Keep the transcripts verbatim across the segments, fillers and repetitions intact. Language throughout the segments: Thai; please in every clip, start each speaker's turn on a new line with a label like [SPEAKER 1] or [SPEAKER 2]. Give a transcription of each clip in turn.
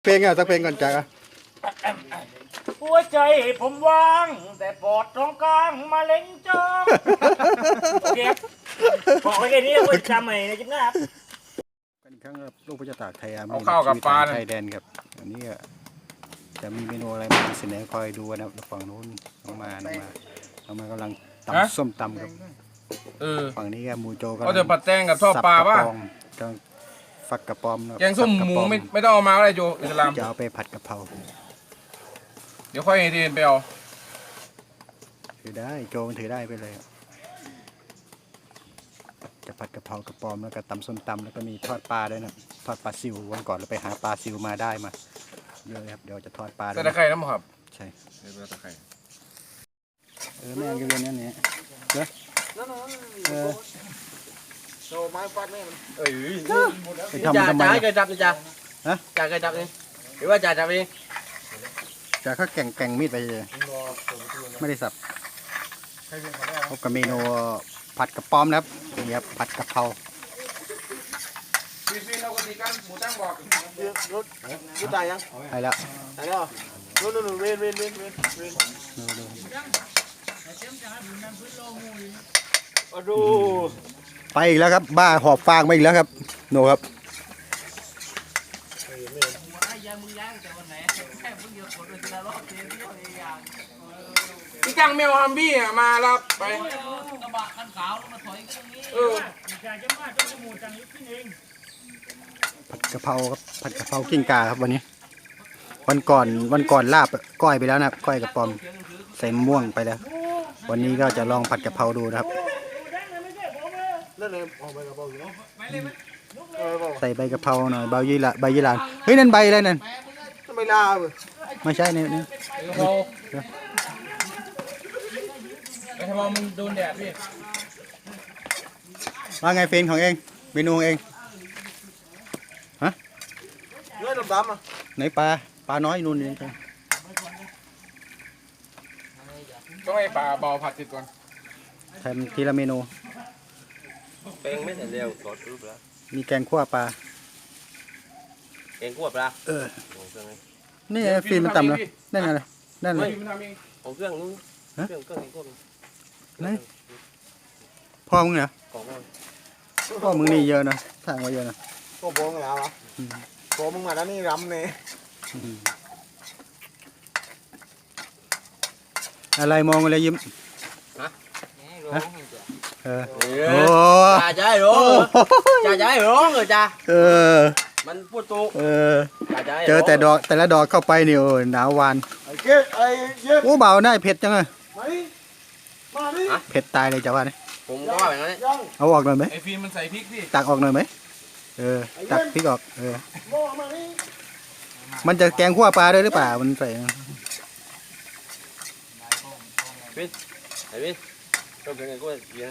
[SPEAKER 1] เพลงอ่ะสักเพลงก่อนจ้ะ
[SPEAKER 2] หัวใจผมว่างแต่ปอดตรงกลางมาเล็งจ้องโอเคบอกไว้แค่นี้ไว้จำใหม่ในจิ๊บหน้าครับ
[SPEAKER 1] กันอีกครั้งครับลูกพระเจ้าตากไทยอา
[SPEAKER 3] เอาข้าวกับปลา
[SPEAKER 1] ไทยแดนครับอันนี้จะมีเมนูอะไรมาเสนอคอยดูนะครับฝั่งนู้นน้องมาน้องมาน้องมากำลังตำส้มตำครับ
[SPEAKER 3] เออ
[SPEAKER 1] ฝั่งนี้ก็หมูโจก็
[SPEAKER 3] เขาจะปัดแตงกับทอดปลาป่ะ
[SPEAKER 1] กำลังฝักกระป๋อมนะ
[SPEAKER 3] แกงส้มหมูไม่ไม่ต้องเอามาก็ได้โจอิสลาม
[SPEAKER 1] จะเอาไปผัดกะเพรา
[SPEAKER 3] เดี๋ยวค่อยให้ทีนไปเอา
[SPEAKER 1] ถือได้โจมันถือได้ไปเลยจะผัดกะเพรากระป๋อมแล้วก็ตำส้มตำแล้วก็มีทอดปลาด้วยนะทอดปลาซิววันก่อนเราไปหาปลาซิวมาได้มาเยอะเลยครับเดี๋ยวจะทอดปลา
[SPEAKER 3] ใส่ตะไคร้น้ำครับ
[SPEAKER 1] ใช่
[SPEAKER 3] ใส่ตะไคร้
[SPEAKER 1] เออแม่งก็เรียนนั่นเนี่ยเด้อเออ
[SPEAKER 2] โชว์ไม้ฟัดแม่มัน
[SPEAKER 3] เอ้ย
[SPEAKER 1] ไปทำทำไม
[SPEAKER 2] จ่าให้เคยจับนี่จ่า
[SPEAKER 1] ฮะ
[SPEAKER 2] จ่าเคยจับนี่หรือว่าจ่าจับเอง
[SPEAKER 1] จะเขาแก่งแก่งมีดไปเลยไม่ได้สับพบกับเมนูผัดกระป๋อมนะครับนี่ครับผัดกะเพรา
[SPEAKER 3] พี่พี่เราก็ตีกันหมูตั้งบอก
[SPEAKER 2] รถรถตายยัง
[SPEAKER 1] ไปแล้ว
[SPEAKER 2] ตายแล้วนู่นนู่นเวนเวนเวนเวนเวน
[SPEAKER 1] ดูดู
[SPEAKER 2] มาดู
[SPEAKER 1] ไปอีกแล้วครับบ้าหอบฟางมาอีกแล้วครับโนครับ
[SPEAKER 3] พี่กังแมวฮัมบี้อ่ะมารับไป
[SPEAKER 2] กระบะคันขาวมาถอยกันนี้
[SPEAKER 3] เออ
[SPEAKER 2] จ่าจะมาต้องจมูกจังลิบขึ้นเอง
[SPEAKER 1] ผัดกะเพราครับผัดกะเพรากิ้งก่าครับวันนี้ วันก่อนวันก่อนลาบก้อยไปแล้วนะครับก้อยกระป๋อมใส่มะม่วงไปแล้ว วันนี้ก็จะลองผัดกะเพราดูนะครับ
[SPEAKER 2] นั่นเลยออกไปกระเป๋าอยู่เนาะ
[SPEAKER 1] ใส่ใบกะเพราหน่อยใบยี่หร่าใบยี่หร่าเฮ้ยนั่นใบอะไรนั่น
[SPEAKER 2] ทำไมลาเว้ย
[SPEAKER 1] ไม่ใช่เนี่ยนี่
[SPEAKER 3] เราไอ้ทำไมมันโดนแดดพี่
[SPEAKER 1] ว่าไงเฟนของเองเมนูของเอง
[SPEAKER 2] เนื้อดำๆอ่ะ
[SPEAKER 1] ไหนปลาปลาน้อยนู่นนี่
[SPEAKER 3] ต้องให้ปลาเบาผัดติดก่อน
[SPEAKER 1] ทำทีละเมนู
[SPEAKER 4] เป็นไม่เสร็จเร็วกดรูปแล้ว
[SPEAKER 1] มีแกงขั่วปลา
[SPEAKER 4] เองขวบละ
[SPEAKER 1] เออ
[SPEAKER 4] ของเครื่องนี้
[SPEAKER 1] นี่ไงฟิล์มมันต่ำแล้วนั่นไงเลยนั่นเลย
[SPEAKER 3] พี่มันทำเอง
[SPEAKER 4] ของเครื่องนู้นเครื่องเครื่องเองขวบ
[SPEAKER 1] ไหนพ่อมึงเหรอ
[SPEAKER 4] ของมัน
[SPEAKER 1] พ่อมึงนี่เยอะนะทางไว้เยอะนะ
[SPEAKER 2] ก็โบงแล้วอ่ะโบมึงมาแล้วนี่รำเนี่ย
[SPEAKER 1] อะไรมองอะไรยิ้มเออโอ้
[SPEAKER 4] จ่าจะให้ร้องจ่าจะให้ร้องเลยจ่า
[SPEAKER 1] เออ
[SPEAKER 4] มันพูดตุก
[SPEAKER 1] เออ
[SPEAKER 4] จ่าจะให้
[SPEAKER 1] เจอแต่ดอกแต่ละดอกเข้าไปนี่โอ้ยหนาววาน
[SPEAKER 2] ไอ้เก๊ไอ้เย็บ
[SPEAKER 1] โอ้เบาได้เผ็ดจังเลย
[SPEAKER 2] มาดิมาดิ
[SPEAKER 1] เผ็ดตายเลยจ้าว่าเนี่ย
[SPEAKER 4] ผมก็ว่าแบบนั้น
[SPEAKER 2] ยัง
[SPEAKER 1] เอาออกหน่อยไหม
[SPEAKER 3] ไอ้ฟิล์มมันใส่พริกพี่
[SPEAKER 1] ตักออกหน่อยไหมเออตักพริกออกเออ
[SPEAKER 2] โบมาดิ
[SPEAKER 1] มันจะแกงขั่วปลาด้วยหรือเปล่ามันใส่
[SPEAKER 4] ไอ้พี่ต้องเป็นไงก็เยอะ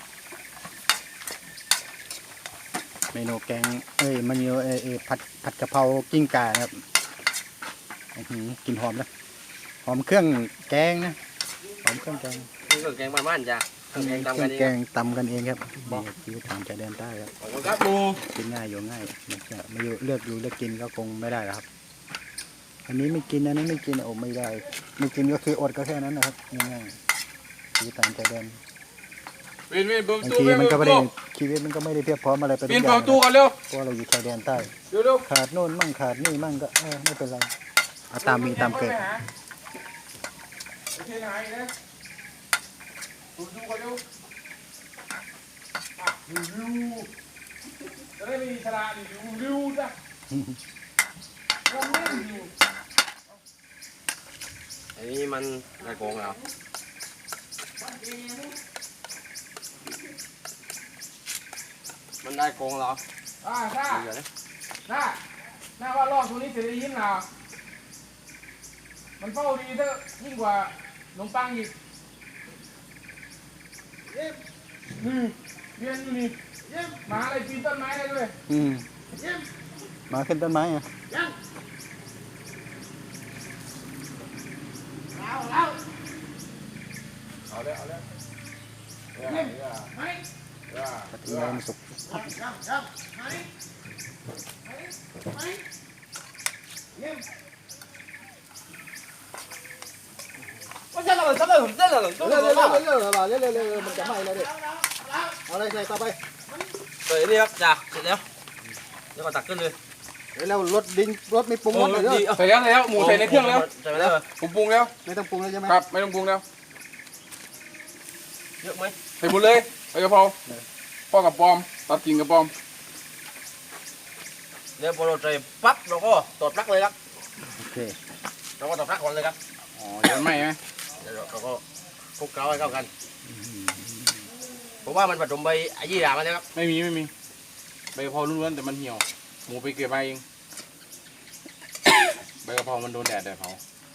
[SPEAKER 1] เมนูแกงเอ้ยมันมีเออเออผัดผัดกะเพรากิ้งก่านะครับอื้อหือกลิ่นหอมนะหอมเครื่องแกงนะหอมเครื่องแกง
[SPEAKER 4] นี่ก็แกงบ้านๆจ่าเครื่องแกงตำกันเอ
[SPEAKER 1] แก
[SPEAKER 4] ง
[SPEAKER 1] งตำกันเองครับนี่ชีวิตทางชายแดนใต้ครับ
[SPEAKER 4] ขอบคุณครับปู
[SPEAKER 1] กินง่ายอยู่ง่ายไม่ใช่ไม่อยู่เลือกอยู่เลือกกินก็คงไม่ได้แล้วครับ อันนี้ไม่กินอันนี้ไม่กินโอ้ไม่ได้ ไม่กินก็คืออดก็แค่นั้นนะครับง่ายๆชีวิตทางชายแดน
[SPEAKER 3] ฟิล์มฟิล์มเปิด
[SPEAKER 1] บาง
[SPEAKER 3] ตู้
[SPEAKER 1] ที
[SPEAKER 3] ฟิล์ม
[SPEAKER 1] มัน
[SPEAKER 3] เปิ
[SPEAKER 1] ก็
[SPEAKER 3] ด
[SPEAKER 1] ไม่ได้
[SPEAKER 3] ตู้
[SPEAKER 1] ชีวิตมันก็ไม่ได้เพียบพร้อมอะไรไปทุก
[SPEAKER 3] ฟิล์ม
[SPEAKER 1] อ
[SPEAKER 3] เปิ
[SPEAKER 1] ย่า
[SPEAKER 3] ด
[SPEAKER 1] ง
[SPEAKER 3] ตู้กันเร็ว
[SPEAKER 1] เพราะเราอยู่ชายแดนใต้
[SPEAKER 3] เร็วเร็ว
[SPEAKER 1] ขาดโน่นมั่งขาดนี่มั่งก็เออไม่เป็นไรเอาตามมีตามเกิด
[SPEAKER 3] โอเคหายนะดูดูกันเร็วอ่ะดูดูจะได้ไม่มีสระดิดูดูจ้ะเราไม่ดู
[SPEAKER 4] อันนี้มันได้โกงแล้วมันได้โกงแล้ว
[SPEAKER 3] อ่าถ้า
[SPEAKER 4] เดี๋ยวนะ
[SPEAKER 3] ถ้าถ้าว่ารอบตัวนี้จะได้ยินเหรอมันเฝ้าดีเถอะยิ่งกว่าขนมปังอีกนี่เรียนอยู่นี่หมาอะไรปีนต้นไม้ได้ด้วย
[SPEAKER 1] อืมมาขึ้นต้นไม้อ่ะ
[SPEAKER 2] เอาแล้ว
[SPEAKER 3] เอาเลยเอาเลย
[SPEAKER 2] เย็บมาดิ
[SPEAKER 1] ปฏิญาณสุข
[SPEAKER 2] ยังยังมาดิมาดิมาดิเย็บ
[SPEAKER 4] ไม่ใช่เราเป็นซับเลยผมเส้นเลย
[SPEAKER 1] เร็วเร็วเร็วเร็วเร็วเร็วเร็วเร็วเร็วมันจะไหม้แล้วดิเอาอะไรใส่ต่อไป
[SPEAKER 4] เปิดนี่ครับจ้าเสร็จแล้วเดี๋ยวก็ตักขึ้นเลย
[SPEAKER 1] เดี๋ยวเรารสดิ้งรสไม่ปรุงรสเลยเด้อ
[SPEAKER 3] ใส่แล้วใส่แล้วหมูใส่ในเครื่องแล้ว
[SPEAKER 4] ใส่ไปแล้ว
[SPEAKER 3] ผมปรุงแล้ว
[SPEAKER 1] ไม่ต้องปรุงแล้วใช่ไหม
[SPEAKER 3] ครับไม่ต้องปรุงแล้ว
[SPEAKER 4] เยอะไหม
[SPEAKER 3] ใส่หมดเลยใบกะเพราพ่อกับปอมตัดกิ่งกับปอม
[SPEAKER 4] เดี๋ยวพอเราใส่ปั๊บเราก็ตอดปลั๊กเลยครับ
[SPEAKER 1] โอเค
[SPEAKER 4] เราก็ตอดปลั๊กก่อนเลยครับ
[SPEAKER 3] อ๋อเดี๋ยวมันไหม้ไหม
[SPEAKER 4] เดี๋ยวเราก็คลุกเคล้าให้เข้ากันผมว่ามันผสมใบยี่หร่ามาแล้วครับ
[SPEAKER 3] ไม่มีไม่มีใบกะเพราล้วนๆแต่มันเหี่ยวหมูไปเก็บมาเองใบกะเพรามันโดนแดดแดดเผา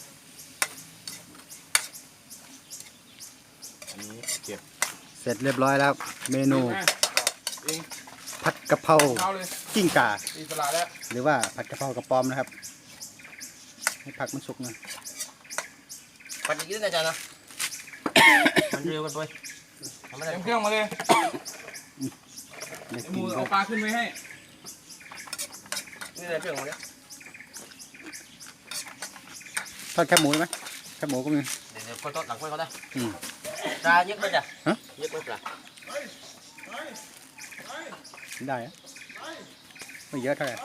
[SPEAKER 3] อันนี้เก็บ
[SPEAKER 1] เสร็จเรียบร้อยแล้วเมนู
[SPEAKER 3] เอง
[SPEAKER 1] ผัดกะเพรา
[SPEAKER 3] เอาเลย
[SPEAKER 1] กิ้งก่า
[SPEAKER 3] อิสระแล้ว
[SPEAKER 1] หรือว่าผัดกะเพรากระป๋อมนะครับให้ผักมันสุกหนะ
[SPEAKER 4] ผัดอีกนิดนะจ๊ะนะมันเร็วกันไปทำไม่
[SPEAKER 3] เต
[SPEAKER 4] ได้
[SPEAKER 3] รียมเครื่องมาเลย
[SPEAKER 1] ไม่
[SPEAKER 3] ห
[SPEAKER 1] กิ
[SPEAKER 3] มู
[SPEAKER 1] น
[SPEAKER 3] เอาปลาขึ้นไว้ให้
[SPEAKER 4] นี่ในเครื่องของเนี้ย
[SPEAKER 1] ทอดแคบหมูได้ไหมแคบหมูก็มี
[SPEAKER 4] เดี๋ยวเดี๋ยวค่อยทอดหลังค่อยเขาได้
[SPEAKER 1] อืม
[SPEAKER 4] ปลาเยอะไหมจ๊ะ
[SPEAKER 1] ฮะ
[SPEAKER 4] เยอะไหมปลา
[SPEAKER 1] ได้อะไม่เยอะเท่าไหร่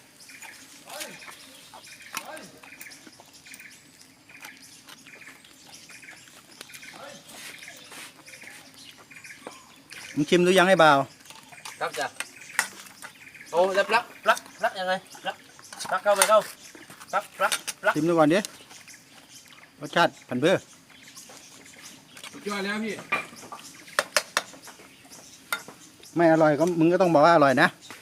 [SPEAKER 1] มึงชิมดูยังไอ้บ่าว
[SPEAKER 4] ครับจ้ะโอ้แล้วปลั๊กปลั๊กปลั๊กยังไงปลั๊กปลั๊กเข้าไปเข้าปลั๊กปลั๊กปลั๊ก
[SPEAKER 1] ชิมดูก่อนดิรสชาติผันเพื่อ
[SPEAKER 3] สุดยอดแล้วพี่
[SPEAKER 1] ไม่อร่อยก็มึงก็ต้องบอกว่าอร่อยนะ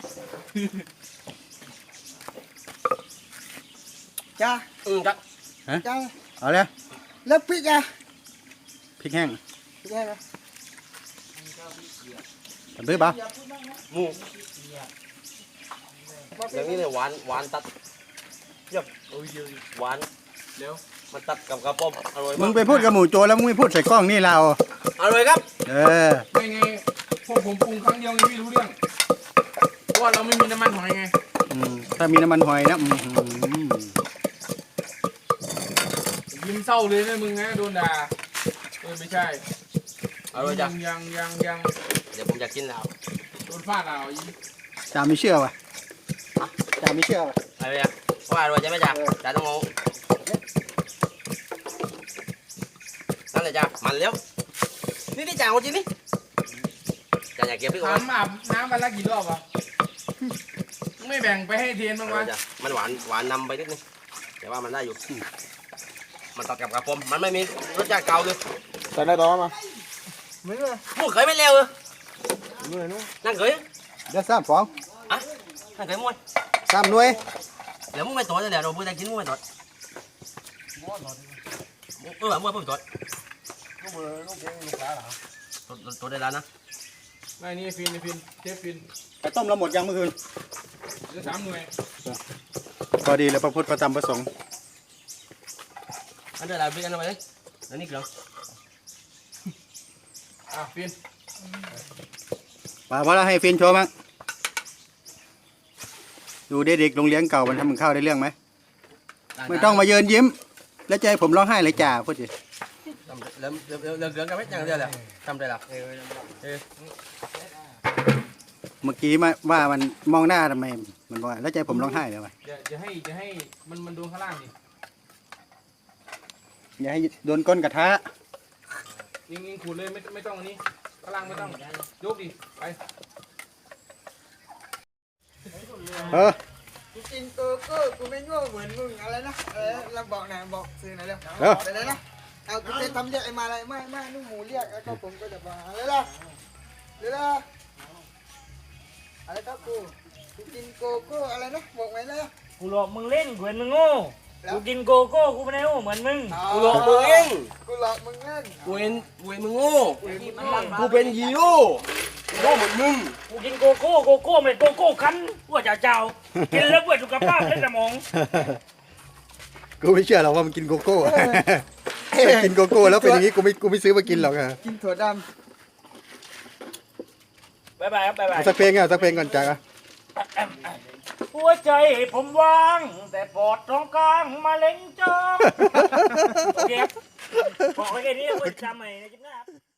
[SPEAKER 5] จ้า
[SPEAKER 4] อืมครับ
[SPEAKER 5] จ้า
[SPEAKER 1] เอาเลย
[SPEAKER 5] แล้วพริกอ่ะ
[SPEAKER 1] พริกแห้ง
[SPEAKER 5] พริกแห้งอ่ะ
[SPEAKER 1] ผันเพื่อบ่าว
[SPEAKER 4] หมูอย่างนี้เลยหวานหวานตัดเยี่ยมโอ้ยเยอะหวาน
[SPEAKER 3] เร็ว
[SPEAKER 4] มันตัดกับกระป๋อมอร่อย
[SPEAKER 1] มึ
[SPEAKER 4] มาง ก
[SPEAKER 1] ไปพูดกับหมูโจแล้วมึงไม่พูดใส่กล้องนี่เรา
[SPEAKER 4] อร่อยครับ
[SPEAKER 1] เออ
[SPEAKER 3] ไม่ไงพวกผมปรุงครั้งเดียวไงพี่รู้เรื่องเพราะว่าเราไม่มีน้ำมันหอยไง
[SPEAKER 1] อืมถ้ามีน้ำมันหอยนะอืม
[SPEAKER 3] ยิ้มเศร้าเลยนะมึงนะโดนด่าเออไม่ใช่
[SPEAKER 4] อร่อยจ้ะ
[SPEAKER 3] ยังยังยัง
[SPEAKER 4] เดี๋ยวผมจะกินแล้ว
[SPEAKER 3] โดนฟาดเอาอี
[SPEAKER 1] จ่าไม่เชื่อว่ะจ่าไม่เชื่อว่ะ
[SPEAKER 4] อะไรอ่ะว่าอร่อยใช่ไหมจ๊ะจ๊ะต้องเอานั่นเลยจ้ะมันแล้วนี่นี่จ่าเอาจริงนี่จ่าอยากเก็บพี่ก่อน
[SPEAKER 3] ถามอาบน้ำวันละกี่รอบวะไม่แบ่งไปให้เทียนบ้าง
[SPEAKER 4] อร่
[SPEAKER 3] วะ
[SPEAKER 4] อยจ้ะมันหวานหวานนำไปนิดนึงแต่ว่ามันได้อยู่มันตัดกับกระป๋อมมันไม่มีรสชาติเก่าเลย
[SPEAKER 3] ใส่ได้ต่อมา
[SPEAKER 5] ไม่รู้
[SPEAKER 4] พูดเคยไม่เร็วเลยนั่งเคย
[SPEAKER 1] เดี๋ยวสามฟอง
[SPEAKER 4] อ่ะนั่งเคยมวย
[SPEAKER 1] สามหน่วย
[SPEAKER 4] เดี๋ยวมึงไม่ต่อเดี๋ยวเราพูดได้กินมึงไม่ต่อเออมึงไม่ต่อตัวได้แล้วนะ
[SPEAKER 3] ไม่นี่ฟินนี่ฟินเชฟฟิน
[SPEAKER 1] ไปต้มเราหมดยังเมื่อคืน
[SPEAKER 3] เหลือสามหน่วย
[SPEAKER 1] พอดีแล้วพระพุทธพระธรรมพระสงฆ์
[SPEAKER 4] อันเดี๋ยวเราไปกันเอาไปเลยอันนี้เกลือ
[SPEAKER 3] อ่ะฟิน
[SPEAKER 1] ป่าพอแล้วให้ฟินโชว์มั้งดูเด็กๆโรงเรียนเก่ามันทำมันข้าวได้เรื่องไหมไม่ต้องมาเยินยิ้ม แล้วจะให้ผมร้องไห้เลยจ่าพูดสิ
[SPEAKER 4] เริ่มเริ่มเริ่มเริ่มเกลือกันไหมยังเดี๋ยวเลยทำได้แล้วเออ
[SPEAKER 1] เมื่อกี้มาว่ามันมองหน้าทำไมมันบอกว่าแล้วจะให้ผมร้องไห้เลยวะ
[SPEAKER 3] จะจะให้จะให้มันมันโดนข้างล่างดิ
[SPEAKER 1] อย่าให้โดนก้นกระทะ
[SPEAKER 3] ยิงยิงขูดเลยไม่ไม่ต้องอันนี้ข้างล่างไม่ต้องยกดิไป
[SPEAKER 1] เออ
[SPEAKER 5] กูกินโกโก้กูไม่โง่เหมือนมึงอะไรนะเออเราบอกหน่อยบอกซื้อหน่อยเร็ว
[SPEAKER 1] เออ
[SPEAKER 5] ไปเลยนะเอากูจะทำเรียกไอ้มาอะไรไม่ไม่นุ่มหมูเรียกแล้วก็ผมก็จะบอกอะไรล่ะเดี๋ยวละอะไรครับกูกูกินโกโก้อะไรนะบอกไหมเลย
[SPEAKER 2] กูหลอกมึงเล่นกูเห็นมึงโง่กูกินโกโก้กูไม่ได้โง่เหมือนมึง
[SPEAKER 4] กูหลอกมึงเอง
[SPEAKER 5] กูหลอกมึงเล่น
[SPEAKER 4] กูเห็นกูเห็นมึงโง่กูเป็นฮีโร่โง่เหมือนมึง
[SPEAKER 2] กูกินโกโก้โกโก้ไม่โกโก้คั้นว่าจะเจ้ากินแล้วเพื่อสุขภาพและสมอง
[SPEAKER 1] กูไม่เชื่อหรอกว่ามันกินโกโก้กินโกโก้แล้วเป็นอย่างนี้กูไม่กูไม่ซื้อมากินหรอกอะ
[SPEAKER 5] กินถั่วด
[SPEAKER 2] บายบายครับบายบาย
[SPEAKER 1] เอาสักเพลงอ่ะสักเพลงก่อนจ้า
[SPEAKER 2] หัวใจผมว่าง แต่ปอดตรงกลางมาเล็งจ้องโอเคบอกไว้แค่นี้ไว้จำใหม่ในคลิปหน้าครับ